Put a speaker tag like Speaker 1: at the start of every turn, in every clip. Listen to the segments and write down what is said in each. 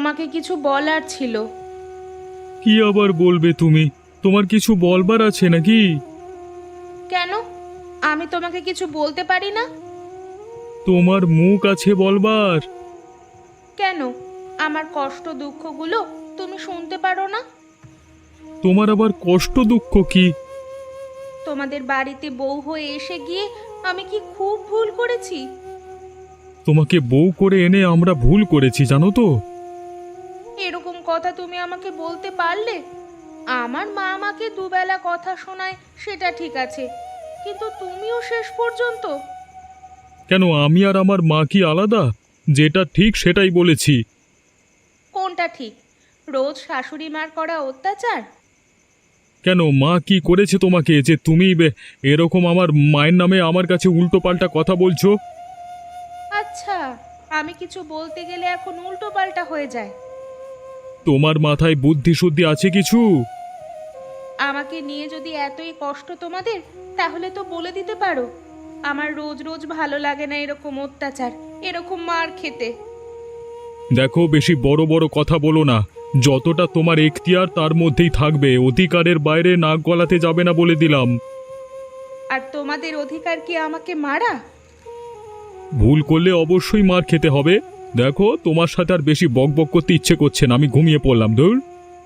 Speaker 1: তোমাকে কিছু বলার ছিল।
Speaker 2: কি আবার বলবে তুমি? তোমার কিছু বলবার আছে নাকি?
Speaker 1: কেন? আমি তোমাকে কিছু বলতে পারি না?
Speaker 2: তোমার মুখ আছে বলবার।
Speaker 1: কেন? আমার কষ্ট দুঃখগুলো তুমি শুনতে পারো না?
Speaker 2: তোমার আবার কষ্ট দুঃখ কি?
Speaker 1: তোমাদের বাড়িতে বউ হয়ে এসে গিয়ে আমি কি খুব ভুল করেছি?
Speaker 2: তোমাকে বউ করে এনে আমরা ভুল করেছি জানো তো।
Speaker 1: এরকম কথা তুমি আমাকে বলতে পারলে? আমার মা আমাকে দুবেলা কথা শোনায় সেটা ঠিক আছে, কিন্তু তুমিও শেষ পর্যন্ত।
Speaker 2: কেন, আমি আর আমার মা কি আলাদা? যেটা ঠিক সেটাই বলেছি।
Speaker 1: কোনটা ঠিক? রোজ শাশুড়ি মার করা অত্যাচার?
Speaker 2: কেন, মা কি করেছে তোমাকে যে তুমি এরকম আমার মায়ের নামে আমার কাছে উল্টোপাল্টা কথা বলছো?
Speaker 1: আচ্ছা, আমি কিছু বলতে গেলে এখন উল্টো পাল্টা হয়ে যায়।
Speaker 2: তোমার মাথায় বুদ্ধি শুদ্ধি আছে কিছু?
Speaker 1: আমাকে নিয়ে যদি এতই কষ্ট তোমাদের, তাহলে তো বলে দিতে পারো। আমার রোজ রোজ ভালো লাগে না এরকম অত্যাচার, এরকম মার খেতে।
Speaker 2: দেখো, বেশি বড় বড় কথা বলো না। যতটা তোমার এখতিয়ার তার মধ্যেই থাকবে, অধিকারের বাইরে নাক গলাতে যাবে না বলে দিলাম।
Speaker 1: আর তোমাদের অধিকার কি আমাকে মারা?
Speaker 2: ভুল করলে অবশ্যই মার খেতে হবে। দেখো, তোমার সাথে আর বেশি বকবক করতে ইচ্ছে করছে না, আমি ঘুমিয়ে পড়লাম। ধুর।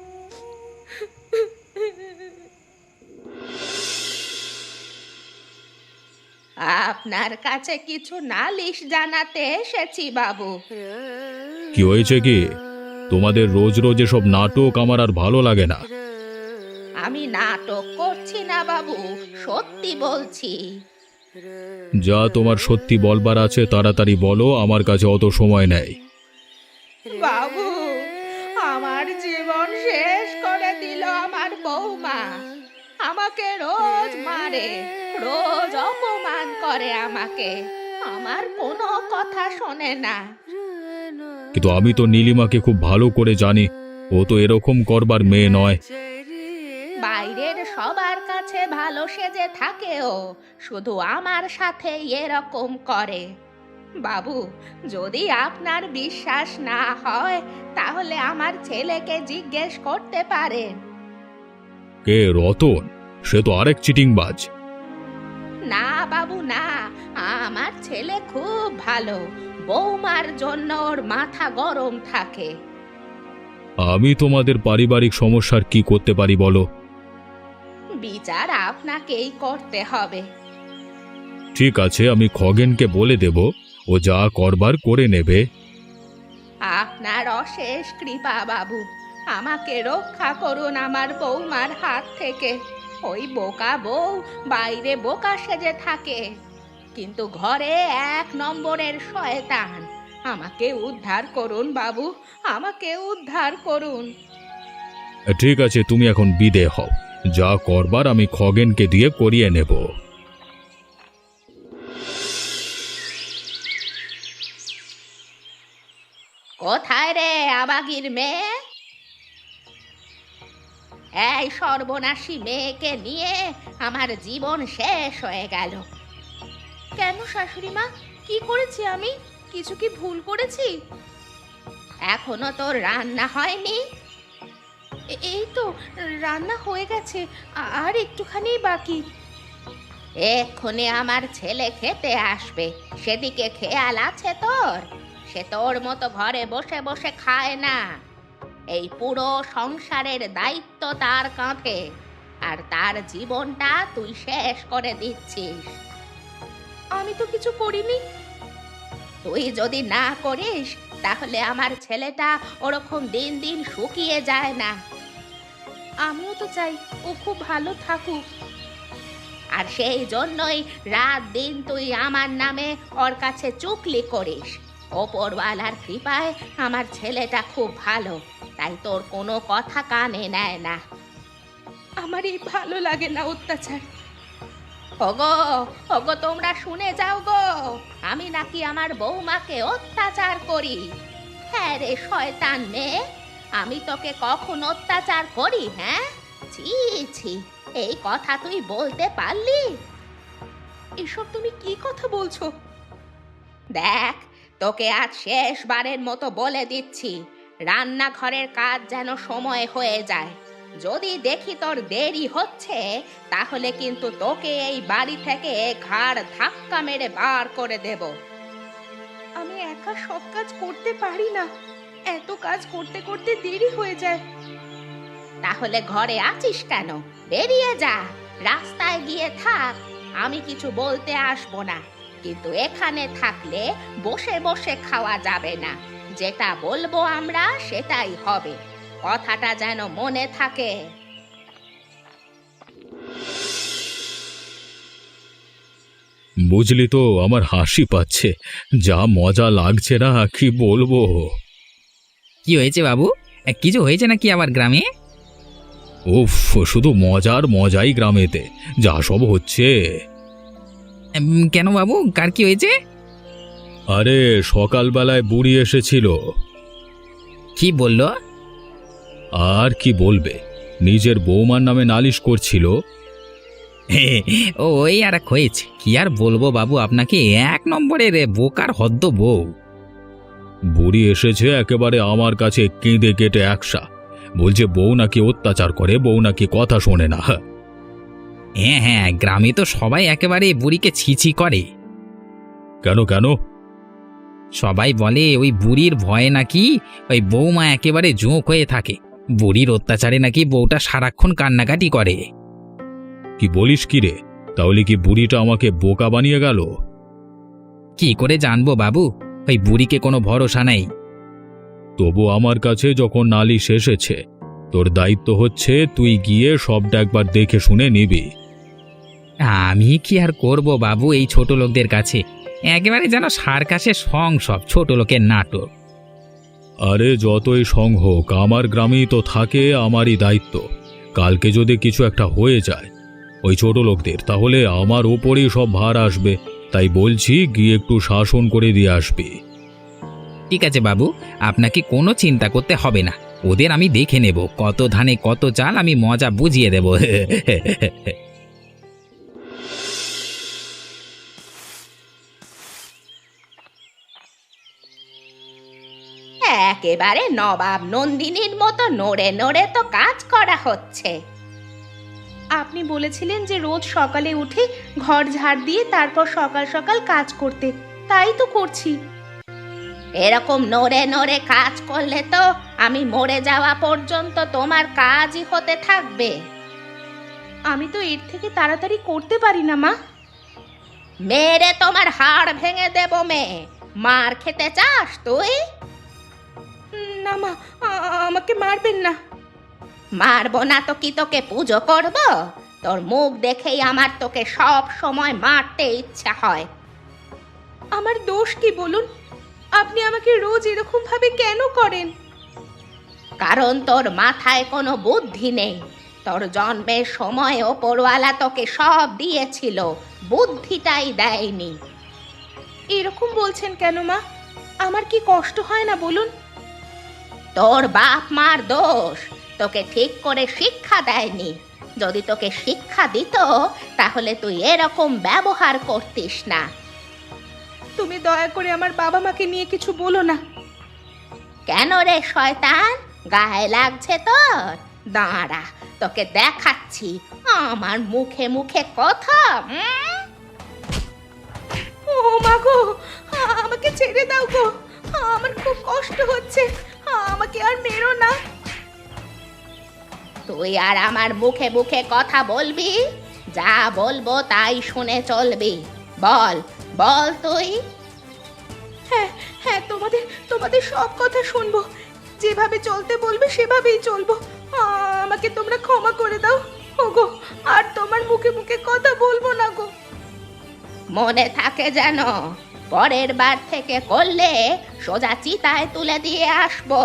Speaker 1: আপনার কাছে কিছু নালিশ জানাতে এসেছি বাবু।
Speaker 2: কি হয়েছে কি? তোমাদের রোজ রোজ এসব নাটক আমার আর ভালো লাগে না।
Speaker 1: আমি নাটক করছি না বাবু, সত্যি বলছি।
Speaker 2: যা তোমার সত্যি বলবার আছে তাড়াতাড়ি বলো, আমার কাছে অত সময় নেই।
Speaker 1: বাবু, আমার জীবন শেষ করে দিল আমার বৌমা। আমাকে রোজ মারে, রোজ অপমান করে আমাকে। আমার কোনো কথা শোনে না।
Speaker 2: কিন্তু আমি তো নীলিমাকে খুব ভালো করে জানি, ও তো এরকম করবার মেয়ে নয়।
Speaker 1: বাইরের সবার কাছে ভালো সেজে থাকেও, শুধু আমার সাথে এরকম করে। বাবু, যদি আপনার বিশ্বাস না হয় তাহলে আমার ছেলেকে জিজ্ঞেস করতে পারেন।
Speaker 2: কে, রতন? সে তো আরেক চিটিংবাজ।
Speaker 1: না বাবু না, আমার ছেলে খুব ভালো। বৌমার জন্য ওর মাথা গরম থাকে।
Speaker 2: আমি তোমাদের পারিবারিক সমস্যার কি করতে পারি বলো?
Speaker 1: বিচার আপনাকেই করতে হবে।
Speaker 2: ঠিক আছে, আমি খগেনকে বলে দেব, ও যা করবার করে নেবে।
Speaker 1: আপনার অশেষ কৃপা বাবু। আমাকে রক্ষা করুন আমার বৌমার হাত থেকে। ওই বোকা বউ বাইরে বোকা সেজে থাকে, কিন্তু ঘরে এক নম্বরের শয়তান। আমাকে উদ্ধার করুন বাবু, আমাকে উদ্ধার করুন।
Speaker 2: ঠিক আছে, তুমি এখন বিদে হও। যা করবার আমি খগেনকে দিয়ে করিয়ে নেব।
Speaker 1: কোথায় রে আবাগির মেয়ে? এই সর্বনাশী মেয়েকে নিয়ে আমার জীবন শেষ হয়ে গেল। কেন শাশুড়ি মা, কি করেছি আমি? কিছু কি ভুল করেছি? এখনো তোর রান্না হয়নি? এই তো রান্না হয়ে গেছে, আর একটুখানি বাকি। এক্ষুনি আমার ছেলে খেতে আসবে, সেদিকে খেয়াল আছে তোর? সে তোর মতো ঘরে বসে বসে খায় না। এই পুরো সংসারের দায়িত্ব তার কাঁধে, আর তার জীবনটা তুই শেষ করে দিচ্ছিস। আমি তো কিছু করিনি। তুই যদি না করিস তাহলে আমার ছেলেটা ওরকম দিন দিন শুকিয়ে যায় না। আমিও তো চাই ও খুব ভালো থাকুক, আর সেই জন্যই রাত দিন তুই আমার নামে ওর কাছে চুগলি করিস। ওপরওয়ালার কৃপায় আমার ছেলেটা খুব ভালো, তাই তোর কোনো কথা কানে নেয় না। আমার এই ভালো লাগে না অত্যাচার। ওগো, ওগো তোমরা শুনে যাও গো, আমি নাকি আমার বৌমাকে অত্যাচার করি। হ্যাঁ রে শয়তান মেয়ে, আমি তোকে কখন অত্যাচার করি? হ্যাঁ, ছি ছি, এই কথা তুই বলতে পারলি? এসব তুমি কি কথা বলছো? দেখ, তোকে আজ শেষবারের মতো বলে দিচ্ছি, রান্নাঘরের কাজ যেন সময় হয়ে যায়। যদি দেখি তোর দেরি হচ্ছে, তাহলে কিন্তু তোকে এই বাড়ি থেকে ঘাড় ধাক্কা মেরে বার করে দেব। আমি একা সব কাজ করতে পারি না, এত কাজ করতে করতে দেরি হয়ে যায়। তাহলে ঘরে আছিস কেন? বেরিয়ে যা, রাস্তায় গিয়ে থাক। আমি কিছু বলতে আসবো না, কিন্তু এখানে থাকলে বসে বসে খাওয়া যাবে না। যেটা বলবো আমরা সেটাই হবে, কথাটা যেন মনে থাকে।
Speaker 2: বুঝলি তো, আমার হাসি পাচ্ছে, যা মজা লাগছে না কি বলবো।
Speaker 3: কি হয়েছে বাবু? কিছু হয়েছে নাকি আবার গ্রামে?
Speaker 2: উফ, শুধু মজার মজাই গ্রামেতে, যা সব হচ্ছে।
Speaker 3: কেন বাবু, কার কি হয়েছে?
Speaker 2: আরে সকালবেলায় বুড়ি এসেছিল।
Speaker 3: কি বললো?
Speaker 2: আর কি বলবে, নিজের বৌমার নামে নালিশ করছিল।
Speaker 3: ও ওই আর এক হয়েছে, কি আর বলবো বাবু আপনাকে, এক নম্বরের বোকার হদ্দ বউ।
Speaker 2: বুড়ি এসেছে একেবারে আমার কাছে কেঁদে কেটে একসা, বলছে বউ নাকি অত্যাচার করে, বউ নাকি কথা শোনে না।
Speaker 3: হ্যাঁ হ্যাঁ, গ্রামে তো সবাই একেবারে বুড়িকে ছিছি করে।
Speaker 2: কেন কেন?
Speaker 3: সবাই বলে ওই বুড়ির ভয়ে নাকি ওই বৌমা একেবারে জোঁক হয়ে থাকে, বুড়ির অত্যাচারে নাকি বউটা সারাক্ষণ কান্নাকাটি করে।
Speaker 2: কি বলিস কি রে? তাহলে কি বুড়িটা আমাকে বোকা বানিয়ে গেল?
Speaker 3: কি করে জানবো বাবু, ওই বুড়িকে কোনো ভরসা নেই।
Speaker 2: তবু আমার কাছে যখন নালিশ এসেছে, তোর দায়িত্ব হচ্ছে তুই গিয়ে সবটা একবার দেখে শুনে নিবি।
Speaker 3: আমি কি আর করব বাবু এই ছোট লোকদের কাছে, একেবারে যেন সার্কাসের সং, সব ছোট লোকের নাটক।
Speaker 2: আরে যতই সং হোক, আমার গ্রামেই তো থাকে, আমারই দায়িত্ব। কালকে যদি কিছু একটা হয়ে যায় ওই ছোট লোকদের, তাহলে আমার ওপরেই সব ভার আসবে। তাই বলছি গিয়ে একটু শাসন করে দিয়ে আসবি।
Speaker 3: ঠিক আছে বাবু, আপনাকে কোনো চিন্তা করতে হবে না, ওদের আমি দেখে নেব, কত ধানে কত চাল আমি মজা বুঝিয়ে দেব।
Speaker 1: একেবারে নবাব নন্দিনীর মতো নড়ে নড়ে তো কাজ করা হচ্ছে। আপনি বলেছিলেন যে রোজ সকালে উঠে ঘর ঝাড় দিয়ে তারপর সকাল সকাল কাজ করতে, তাই তো করছি। এরকম নড়ে নড়ে কাজ করলে তো আমি মরে যাওয়া পর্যন্ত তোমার কাজই হতে থাকবে। আমি তো এর থেকে তাড়াতাড়ি করতে পারি না মা। মেরে তোমার হাড় ভেঙে দেব মেয়ে, মার খেতে চাস তুই? না মা, আমাকে মারবেন না। মারবো না তো কি তোকে পুজো করব? তোর মুখ দেখেই আমার তোকে সব সময় মারতে ইচ্ছা হয়। আমার দোষ কি বলুন? আপনি আমাকে রোজ এরকম ভাবে কেন করেন? কারণ তোর মাথায় কোনো বুদ্ধি নেই। তোর জন্মের সময় ওপরওয়ালা তোকে সব দিয়েছিল, বুদ্ধিটাই দেয়নি। এরকম বলছেন কেন মা? আমার কি কষ্ট হয় না বলুন? তোর বাপ মার দোষ, তোকে ঠিক করে শিক্ষা দেয়নি। যদি তোকে শিক্ষা দিত তাহলে তুই এরকম ব্যবহার করতিস না। তুমি দয়া করে আমার বাবা মাকে নিয়ে কিছু বলো না। কেন রে শয়তান, গায়ে লাগছে তোর? দাঁড়া, তোকে দেখাচ্ছি আমার মুখে মুখে কথা। ও মা গো, আমাকে ছেড়ে দাও গো, আমার খুব কষ্ট হচ্ছে, আমাকে আর মেরো না। তুই আর আমার মুখে মুখে কথা বলবি? যা বলবো তাই শুনে চলবি। বল বল তুই। হ্যাঁ হ্যাঁ, তোমাদের তোমাদের সব কথা শুনবো, যেভাবে চলতে বলবে সেভাবেই চলবো। আমাকে তোমরা ক্ষমা করে দাও ওগো, আর তোমার মুখে মুখে কথা বলবো না গো। মনে থাকে যেন, পরের বার থেকে করলে সোজা চিতায় তুলে দিয়ে আসবো।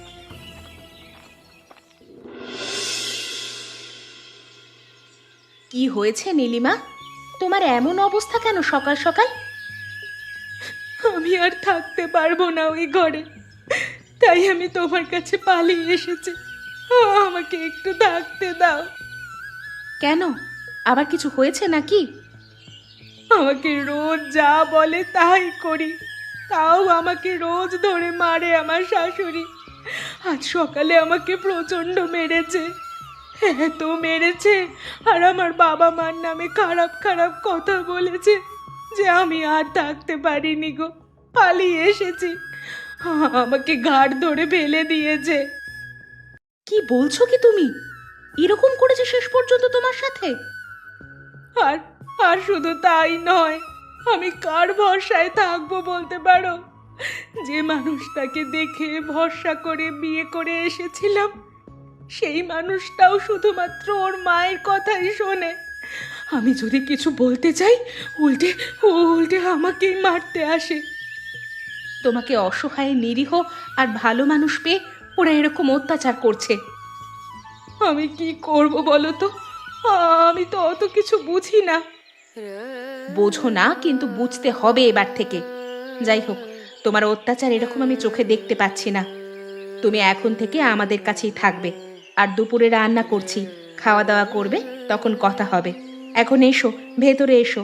Speaker 1: কি হয়েছে নীলিমা, তোমার এমন অবস্থা কেন সকাল সকাল? আমি আর থাকতে পারবো না ওই ঘরে, তাই আমি তোমার কাছে পালিয়ে এসেছি। আমাকে একটু থাকতে দাও। কেন, আবার কিছু হয়েছে নাকি? আমাকে রোজ যা বলে তাই করি, তাও আমাকে রোজ ধরে মারে আমার শাশুড়ি।
Speaker 4: আজ সকালে আমাকে প্রচণ্ড মেরেছে, এত মেরেছে, আর আমার বাবা মার নামে খারাপ খারাপ কথা বলেছে যে আমি আর থাকতে পারিনি গো, পালিয়ে এসেছি। আমাকে ঘাড় ধরে ফেলে দিয়েছে।
Speaker 1: কি বলছো কি তুমি? এরকম করেছে শেষ পর্যন্ত তোমার সাথে?
Speaker 4: আর আর শুধু তাই নয়, আমি কার ভরসায় থাকবো বলতে পারো? যে মানুষটাকে দেখে ভরসা করে বিয়ে করে এসেছিলাম, সেই মানুষটাও শুধুমাত্র ওর মায়ের কথাই শোনে। আমি যদি কিছু বলতে চাই, উল্টে উল্টে আমাকেই মারতে আসে।
Speaker 1: তোমাকে অসহায়, নিরীহ আর ভালো মানুষ পেয়ে ওরা এরকম অত্যাচার করছে।
Speaker 4: আমি কি করব বলো তো? আমি তো অত কিছু বুঝি না।
Speaker 1: বোঝো না, কিন্তু বুঝতে হবে এবার থেকে। যাই হোক, তোমার অত্যাচার এরকম আমি চোখে দেখতে পাচ্ছি না। তুমি এখন থেকে আমাদের কাছেই থাকবে, আর দুপুরে রান্না করছি, খাওয়া দাওয়া করবে, তখন কথা হবে। এখন এসো, ভেতরে এসো।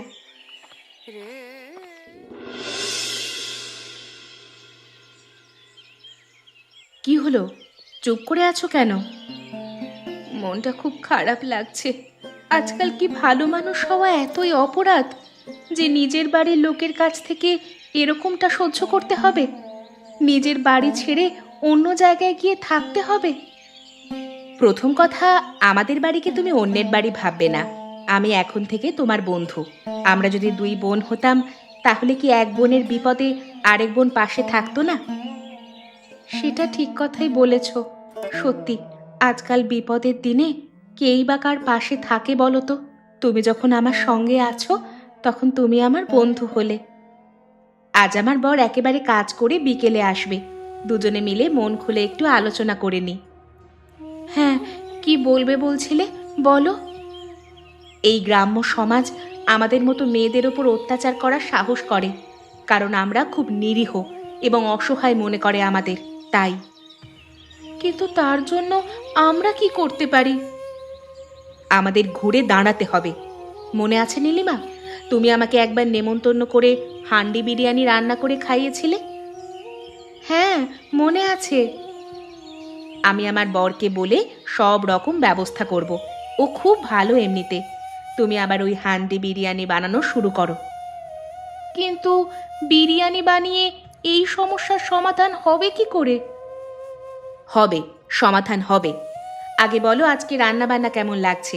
Speaker 1: কি হলো, চুপ করে আছো কেন? মনটা খুব খারাপ লাগছে। আজকাল কি ভালো মানুষ হওয়া এতই অপরাধ যে নিজের বাড়ির লোকের কাছ থেকে এরকমটা সহ্য করতে হবে? নিজের বাড়ি ছেড়ে অন্য জায়গায় গিয়ে থাকতে হবে? প্রথম কথা, আমাদের বাড়িকে তুমি অন্যের বাড়ি ভাববে না। আমি এখন থেকে তোমার বন্ধু। আমরা যদি দুই বোন হতাম, তাহলে কি এক বোনের বিপদে আরেক বোন পাশে থাকতো না? সেটা ঠিক কথাই বলেছ। সত্যি, আজকাল বিপদের দিনে কেই বা কার পাশে থাকে বলো তো? তুমি যখন আমার সঙ্গে আছো, তখন তুমি আমার বন্ধু হলে। আজ আমার বর একেবারে কাজ করে বিকেলে আসবে। দুজনে মিলে মন খুলে একটু আলোচনা করে নি। হ্যাঁ, কি বলবে বলছিলে, বলো। এই গ্রাম্য সমাজ আমাদের মতো মেয়েদের ওপর অত্যাচার করার সাহস করে, কারণ আমরা খুব নিরীহ এবং অসহায় মনে করে আমাদের, তাই। কিন্তু তার জন্য আমরা কি করতে পারি? আমাদের ঘুরে দাঁড়াতে হবে। মনে আছে নীলিমা, তুমি আমাকে একবার নেমন্তন্ন করে হান্ডি বিরিয়ানি রান্না করে খাইয়েছিলে? হ্যাঁ, মনে আছে। আমি আমার বরকে বলে সব রকম ব্যবস্থা করব। ও খুব ভালো এমনিতে। তুমি আবার ওই হান্ডি বিরিয়ানি বানানো শুরু করো। কিন্তু বিরিয়ানি বানিয়ে এই সমস্যার সমাধান হবে কি করে? হবে, সমাধান হবে। আগে বলো, আজকে রান্না বান্না কেমন লাগছে?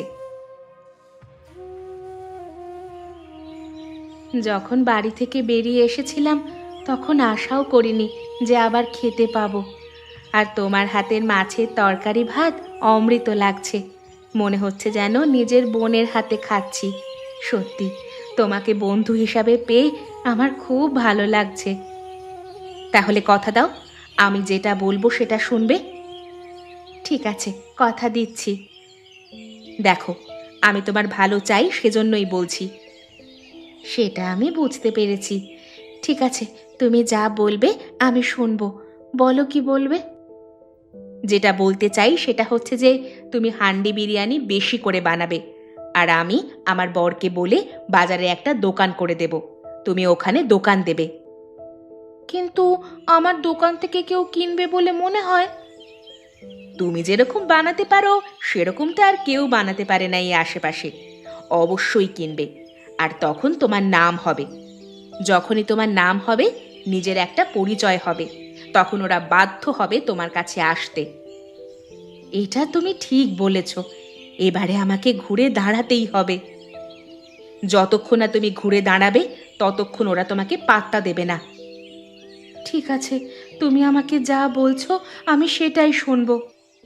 Speaker 1: যখন বাড়ি থেকে বেরিয়ে এসেছিলাম, তখন আশাও করিনি যে আবার খেতে পাবো। আর তোমার হাতের মাছের তরকারি ভাত অমৃত লাগছে। মনে হচ্ছে যেন নিজের বোনের হাতে খাচ্ছি। সত্যি, তোমাকে বন্ধু হিসাবে পেয়ে আমার খুব ভালো লাগছে। তাহলে কথা দাও, আমি যেটা বলবো সেটা শুনবে? ঠিক আছে, কথা দিচ্ছি। দেখো, আমি তোমার ভালো চাই, সেজন্যই বলছি। সেটা আমি বুঝতে পেরেছি। ঠিক আছে, তুমি যা বলবে আমি শুনবো। বলো, কি বলবে? যেটা বলতে চাই সেটা হচ্ছে যে তুমি হান্ডি বিরিয়ানি বেশি করে বানাবে, আর আমি আমার বরকে বলে বাজারে একটা দোকান করে দেব। তুমি ওখানে দোকান দেবে। কিন্তু আমার দোকান থেকে কেউ কিনবে বলে মনে হয়? তুমি যেরকম বানাতে পারো সেরকমটা আর কেউ বানাতে পারে না এই আশেপাশে। অবশ্যই কিনবে, আর তখন তোমার নাম হবে। যখনই তোমার নাম হবে, নিজের একটা পরিচয় হবে, তখন ওরা বাধ্য হবে তোমার কাছে আসতে। এটা তুমি ঠিক বলেছ। এবারে আমাকে ঘুরে দাঁড়াতেই হবে। যতক্ষণ না তুমি ঘুরে দাঁড়াবে, ততক্ষণ ওরা তোমাকে পাত্তা দেবে না। ঠিক আছে, তুমি আমাকে যা বলছো আমি সেটাই শুনবো।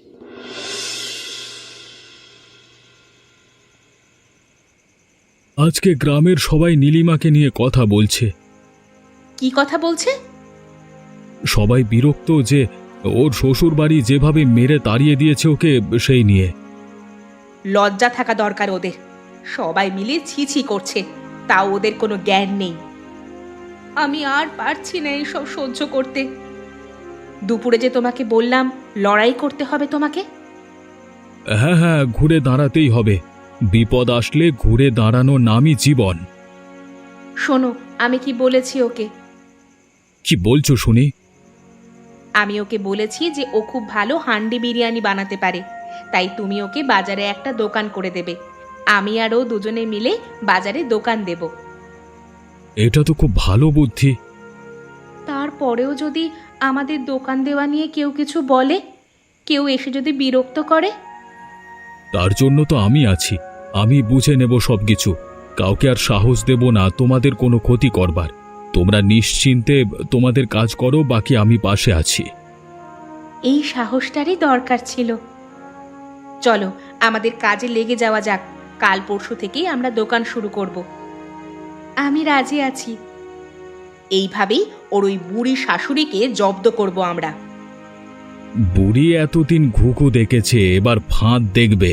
Speaker 2: আজকে গ্রামের সবাই নীলিমাকে নিয়ে কথা বলছে।
Speaker 1: কি কথা বলছে?
Speaker 2: সবাই বিরক্ত যে ওর শ্বশুর বাড়ি যেভাবে মেরে তাড়িয়ে দিয়েছে ওকে, সেই নিয়ে।
Speaker 1: লজ্জা থাকা দরকার ওদের। সবাই মিলে ছি ছি করছে, তাও ওদের কোনো জ্ঞান নেই। আমি আর পারছি না এইসব সহ্য করতে। দুপুরে যে তোমাকে বললাম লড়াই করতে হবে তোমাকে।
Speaker 2: হ্যাঁ হ্যাঁ, ঘুরে দাঁড়াতেই হবে। বিপদ আসলে ঘুরে দাঁড়ানোর নামই জীবন।
Speaker 1: শোনো, আমি কি বলেছি ওকে।
Speaker 2: কি বলছো শুনি?
Speaker 4: আমি ওকে বলেছি যে ও খুব ভালো হান্ডি বিরিয়ানি বানাতে পারে, তাই তুমি ওকে বাজারে একটা দোকান করে দেবে। আমি আর ও দুজনে মিলে বাজারে দোকান দেব।
Speaker 2: এটা তো খুব ভালো বুদ্ধি।
Speaker 4: তারপরেও যদি আমাদের দোকান দেওয়া নিয়ে কেউ কিছু বলে, কেউ এসে যদি বিরক্ত করে?
Speaker 2: তার জন্য তো আমি আছি। আমি বুঝে নেব সবকিছু। কাউকে আর সাহস দেব না তোমাদের কোনো ক্ষতি করবার। তোমরা নিশ্চিন্তে তোমাদের কাজ করো, বাকি আমি পাশে আছি।
Speaker 4: এই সাহসটারই দরকার ছিল। চলো আমাদের কাজে লেগে যাওয়া যাক। কাল পরশু থেকেই আমরা দোকান শুরু করব। আমি রাজি আছি। এইভাবেই ওর ওই বুড়ি শাশুড়িকে জব্দ করব আমরা।
Speaker 2: বুড়ি এতদিন ঘুঘু দেখেছে, এবার ফাঁদ দেখবে।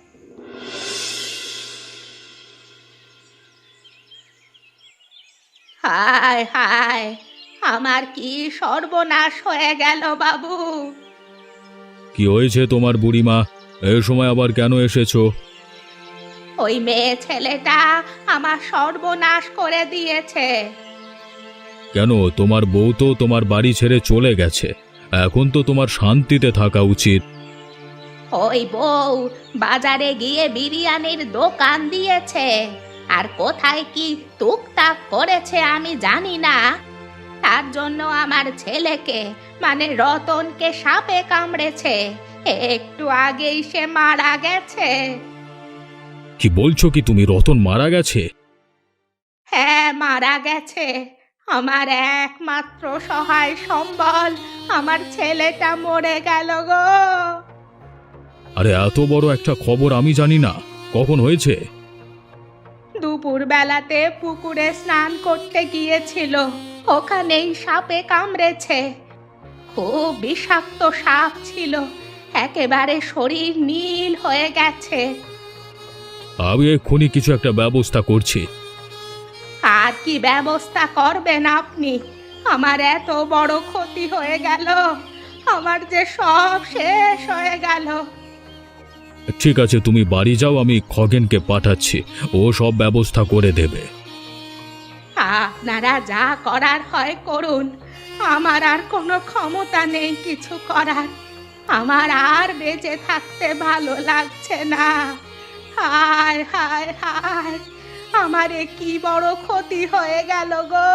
Speaker 1: হায় হায়, আমার কি সর্বনাশ হয়ে গেল বাবু।
Speaker 2: কি হয়েছে তোমার বুড়িমা? এই সময় আবার কেন এসেছো?
Speaker 1: ওই মেয়ে ছেলেটা আমার সর্বনাশ করে দিয়েছে।
Speaker 2: কেন? তোমার বউ তো তোমার বাড়ি ছেড়ে চলে গেছে। এখন তো তোমার শান্তিতে থাকা উচিত।
Speaker 1: ওই বউ বাজারে গিয়ে বিরিয়ানির দোকান দিয়েছে, আর কোথায় কি টুকটাক করেছে আমি জানি না। তার জন্য আমার ছেলেকে মানে রতনকে সাপে কামড়েছে। একটু আগেই সে মারা গেছে।
Speaker 2: কি বলছো কি তুমি? রতন মারা গেছে?
Speaker 1: হ্যাঁ, মারা গেছে। আমার একমাত্র সহায় সম্বল আমার ছেলেটা মরে গেল গো।
Speaker 2: আরে এত বড় একটা খবর আমি জানি না। কখন হয়েছে?
Speaker 1: দুপুর বেলাতে পুকুরে স্নান করতে গিয়েছিল, ওখানেই সাপে কামড়েছে। খুব বিষাক্ত সাপ ছিল, একেবারে শরীর নীল হয়ে গেছে।
Speaker 2: আমি এক্ষুনি কিছু একটা ব্যবস্থা করছি।
Speaker 1: আর কি ব্যবস্থা করবেন আপনি? আমার এত বড় ক্ষতি হয়ে গেল, আমার যে সব শেষ হয়ে গেল।
Speaker 2: ঠিক আছে, তুমি বাড়ি যাও, আমি খগেনকে পাঠাচ্ছি। ও সব ব্যবস্থা করে দেবে।
Speaker 1: আপনারা যা করার হয় করুন, আমার আর কোনো ক্ষমতা নেই কিছু করার। আমার আর বেঁচে থাকতে ভালো লাগছে না। হায় হায় হায়, আমার এ কি বড় ক্ষতি হয়ে গেল গো।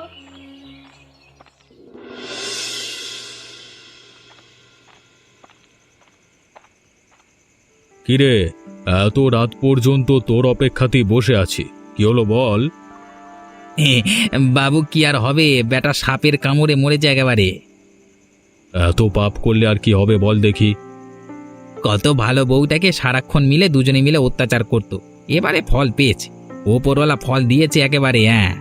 Speaker 2: কিরে, এত রাত পর্যন্ত তোর অপেক্ষাতেই বসে আছি। কি হলো বল?
Speaker 3: বাবু কি আর হবে, বেটা সাপের কামড়ে মরেছে একেবারে।
Speaker 2: এত পাপ করলে আর কি হবে বল দেখি?
Speaker 3: কত ভালো বউটাকে সারাক্ষণ মিলে দুজনে মিলে অত্যাচার করত, এবারে ফল পেয়েছে। ওপরওয়ালা ফল দিয়েছে একেবারে। হ্যাঁ,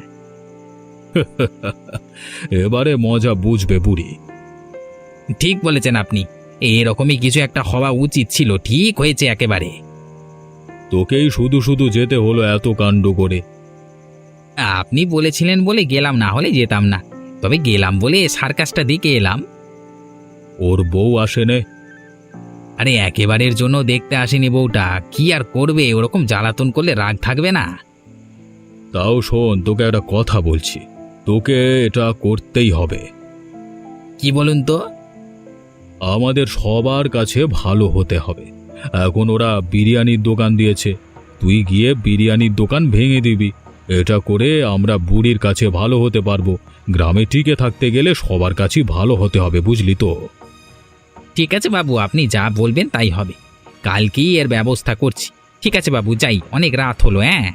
Speaker 2: এবারে মজা বুঝবে বুড়ি।
Speaker 3: ঠিক বলেছেন আপনি। এরকমই কিছু একটা হওয়া উচিত ছিল। ঠিক হয়েছে একেবারে।
Speaker 2: তোকেই শুধু শুধু যেতে হলো এত কাণ্ড করে।
Speaker 3: আপনি বলেছিলেন বলে গেলাম, না হলে যেতাম না। তবে গেলাম বলে সার্কাসটা দেখে এলাম।
Speaker 2: ওর বউ আসেনে?
Speaker 3: আরে একেবারের জন্য দেখতে আসেনি বউটা। কি আর করবে, ওরকম জ্বালাতন করলে রাগ থাকবে না?
Speaker 2: তাও শোন, তোকে একটা কথা বলছি। তোকে এটা করতেই হবে।
Speaker 3: কি বলুন তো?
Speaker 2: আমাদের সবার কাছে ভালো হতে হবে। এখন ওরা বিরিয়ানির দোকান দিয়েছে, তুই গিয়ে বিরিয়ানির দোকান ভেঙে দিবি। এটা করে আমরা বুড়ির কাছে ভালো হতে পারবো। গ্রামে টিকে থাকতে গেলে সবার কাছেই ভালো হতে হবে, বুঝলি তো?
Speaker 3: ঠিক আছে বাবু, আপনি যা বলবেন তাই হবে। কালকেই এর ব্যবস্থা করছি। ঠিক আছে বাবু, যাই, অনেক রাত হলো। হ্যাঁ,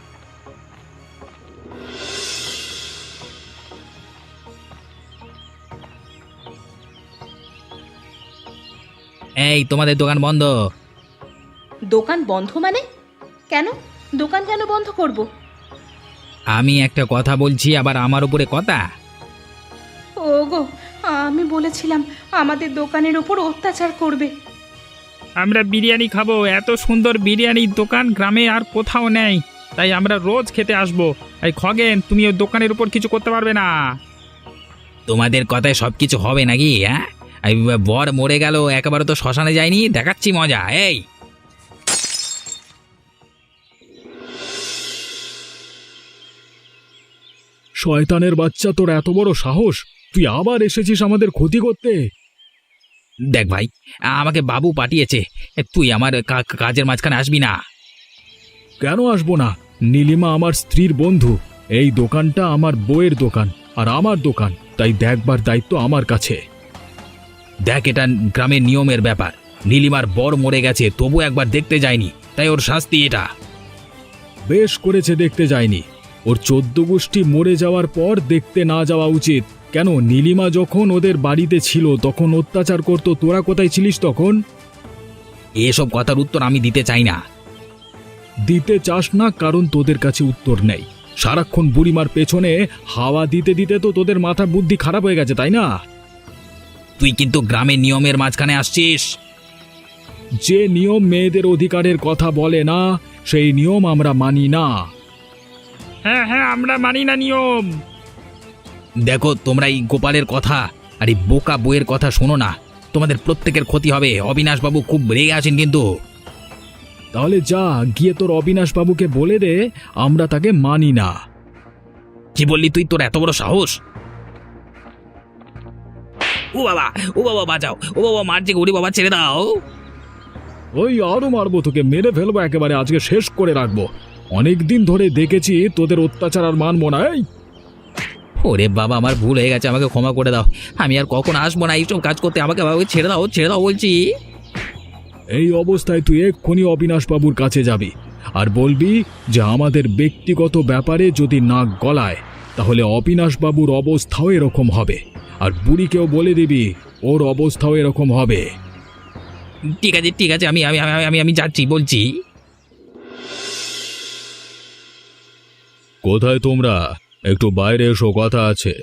Speaker 3: এই তোমাদের দোকান বন্ধ।
Speaker 4: দোকান বন্ধ মানে? কেন? দোকান কেন বন্ধ করব?
Speaker 3: আমি একটা কথা বলছি, আবার আমার উপরে কথা।
Speaker 4: ওগো, আমি বলেছিলাম আমাদের দোকানের উপর অত্যাচার করবে।
Speaker 5: আমরা বিরিয়ানি খাবো। এত সুন্দর বিরিয়ানির দোকান গ্রামে আর কোথাও নেই, তাই আমরা রোজ খেতে আসবো। এই খগেন, তুমি ওই দোকানের উপর কিছু করতে পারবে না।
Speaker 3: তোমাদের কথায় সব কিছু হবে নাকি? হ্যাঁ, এই বর মরে গেল, একেবারে তো শ্মশানে যায়নি। দেখাচ্ছি মজা। এই
Speaker 2: শয়তানের বাচ্চা, তোর এত বড় সাহস! তুই আবার এসেছিস আমাদের ক্ষতি করতে?
Speaker 3: দেখ ভাই, আমাকে বাবু পাঠিয়েছে, তুই আমার কাজের মাঝখানে আসবি না।
Speaker 2: কেন আসবো না? নীলিমা আমার স্ত্রীর বন্ধু। এই দোকানটা আমার বউয়ের দোকান আর আমার দোকান, তাই দেখবার দায়িত্ব আমার কাছে।
Speaker 3: দেখ, এটা গ্রামের নিয়মের ব্যাপার। নীলিমার বর মরে গেছে, তবু একবার দেখতে যায়নি, তাই ওর শাস্তি এটা।
Speaker 2: বেশ করেছে দেখতে যায়নি। ওর 14 গোষ্ঠী মরে যাওয়ার পর দেখতে না যাওয়া উচিত। কেন, নীলিমা যখন ওদের বাড়িতে ছিল তখন অত্যাচার করতো, তোরা কোথায় ছিলিস তখন?
Speaker 3: এসব কথার উত্তর আমি দিতে চাই না।
Speaker 2: দিতে চাস না কারণ তোদের কাছে উত্তর নেই। সারাক্ষণ বুড়িমার পেছনে হাওয়া দিতে দিতে তো তোদের মাথা বুদ্ধি খারাপ হয়ে গেছে, তাই না?
Speaker 3: তুই কিন্তু গ্রামের নিয়মের মাঝখানে আসছিস।
Speaker 2: যে নিয়ম মেয়েদের অধিকারের কথা বলে না, সেই নিয়ম আমরা মানি না।
Speaker 5: হ্যাঁ হ্যাঁ, আমরা মানি না নিয়ম।
Speaker 3: দেখো, তোমরা এই গোপালের কথা আর এই বোকা বইয়ের কথা শোনো না, তোমাদের প্রত্যেকের ক্ষতি হবে। অবিনাশবাবু খুব রেগে আছেন কিন্তু।
Speaker 2: তাহলে যা গিয়ে তোর অবিনাশ বাবুকে বলে দে আমরা তাকে মানি না।
Speaker 3: কি বললি তুই? তোর এত বড় সাহস! ও বাবা, ও বাবা, বাঁচাও! ও বাবা, মারছে গরি বাবা, ছেড়ে দাও।
Speaker 2: ওই আরো মারবো তোকে, মেরে ফেলবো একেবারে, আজকে শেষ করে রাখবো। অনেকদিন ধরে দেখেছি তোদের অত্যাচার আর মানবো না। এই
Speaker 3: ওরে বাবা, আমার ভুল হয়ে গেছে, আমাকে ক্ষমা করে দাও। আমি আর কখন আসবো না এইসব কাজ করতে। আমাকে বাবা ছেড়ে দাও, ছেড়ে দাও বলছি।
Speaker 2: এই অবস্থায় তুই এক্ষুনি অবিনাশ বাবুর কাছে যাবি আর বলবি যে আমাদের ব্যক্তিগত ব্যাপারে যদি নাক গলায় তাহলে অবিনাশ বাবুর অবস্থাও এরকম হবে, আর বুড়িকেও বলে দিবি ওর অবস্থাও এরকম হবে।
Speaker 3: ঠিক আছে, ঠিক আছে, আমি আমি আমি আমি যাচ্ছি, বলছি।
Speaker 2: কোথায় তোমরা? একটু বাইরে এসো, কথা আছে।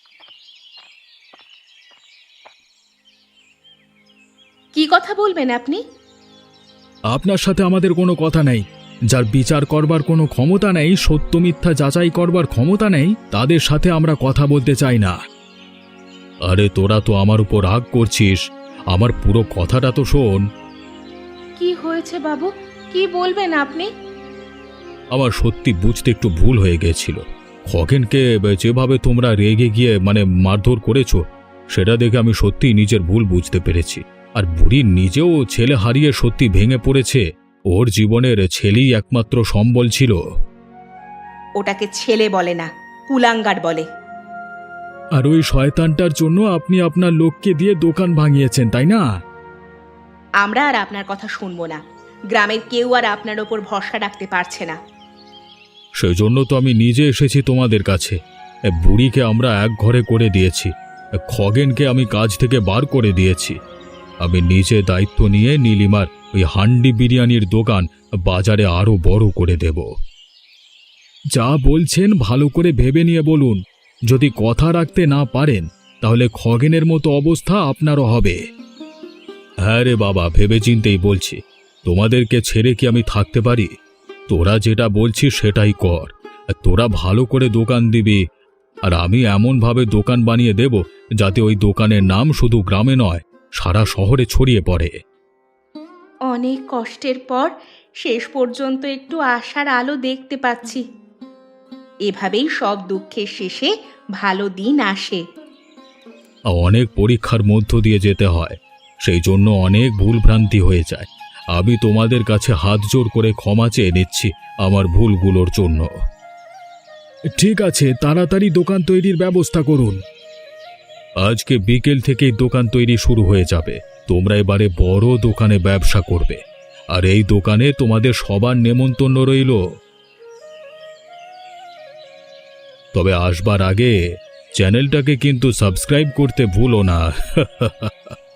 Speaker 1: কি কথা বলবেন আপনি?
Speaker 2: আপনার সাথে আমাদের কোনো কথা নেই। যার বিচার করবার কোনো ক্ষমতা নেই, সত্য মিথ্যা যাচাই করবার ক্ষমতা নেই, তাদের সাথে আমরা কথা বলতে চাই না। আরে তোরা তো আমার উপর রাগ করছিস, আমার পুরো কথাটা তো শোন।
Speaker 1: কি হয়েছে বাবু? কি বলবেন আপনি?
Speaker 2: আমার সত্যি বুঝতে একটু ভুল হয়ে গেছিল। খগেনকে যেভাবে তোমরা রেগে গিয়ে মারধর করেছো, সেটা দেখে আমি সত্যি নিজের ভুল বুঝতে পেরেছি। আর বুড়ি নিজেও ছেলে হারিয়ে সত্যি ভেঙে পড়েছে। ওর জীবনের ছেলেই একমাত্র সম্বল ছিল।
Speaker 1: ওটাকে ছেলে বলে না, কুলাঙ্গার বলে।
Speaker 2: আর ওই শয়তানটার জন্য আপনি আপনার লোককে দিয়ে দোকান ভাঙিয়েছেন, তাই না?
Speaker 1: আমরা আর আপনার কথা শুনবো না। গ্রামের কেউ আর আপনার ওপর ভরসা রাখতে পারছে না।
Speaker 2: সেজন্য তো আমি নিজে এসেছি তোমাদের কাছে। বুড়িকে আমরা এক ঘরে করে দিয়েছি, খগেনকে আমি কাজ থেকে বার করে দিয়েছি। আমি নিজে দায়িত্ব নিয়ে নীলিমার ওই হান্ডি বিরিয়ানির দোকান বাজারে আরো বড় করে দেব। যা বলছেন ভালো করে ভেবে নিয়ে বলুন। যদি কথা রাখতে না পারেন তাহলে খগেনের মতো অবস্থা আপনারও হবে। হ্যাঁ রে বাবা, ভেবেচিন্তেই বলছি। তোমাদেরকে ছেড়ে কি আমি থাকতে পারি? তোরা যেটা বলছিস সেটাই কর। তোরা ভালো করে দোকান দিবি, আর আমি এমনভাবে দোকান বানিয়ে দেব যাতে ওই দোকানের নাম শুধু গ্রামে নয়, সারা শহরে ছড়িয়ে পড়ে।
Speaker 1: অনেক কষ্টের পর শেষ পর্যন্ত একটু আশার আলো দেখতে পাচ্ছি। এভাবেই সব দুঃখের শেষে ভালো দিন আসে।
Speaker 2: অনেক পরীক্ষার মধ্য দিয়ে যেতে হয়, সেই জন্য অনেক ভুলভ্রান্তি হয়ে যায়। আমি তোমাদের কাছে হাত জোড় করে ক্ষমা চেয়ে নিচ্ছি আমার ভুলগুলোর জন্য। ঠিক আছে, তাড়াতাড়ি দোকান তৈরির ব্যবস্থা করুন। আজকে বিকেল থেকেই দোকান তৈরি শুরু হয়ে যাবে। তোমরা এবারে বড় দোকানে ব্যবসা করবে, আর এই দোকানে তোমাদের সবার নেমন্তন্ন রইল। তবে আসবার আগে চ্যানেলটাকে কিন্তু সাবস্ক্রাইব করতে ভুলো না।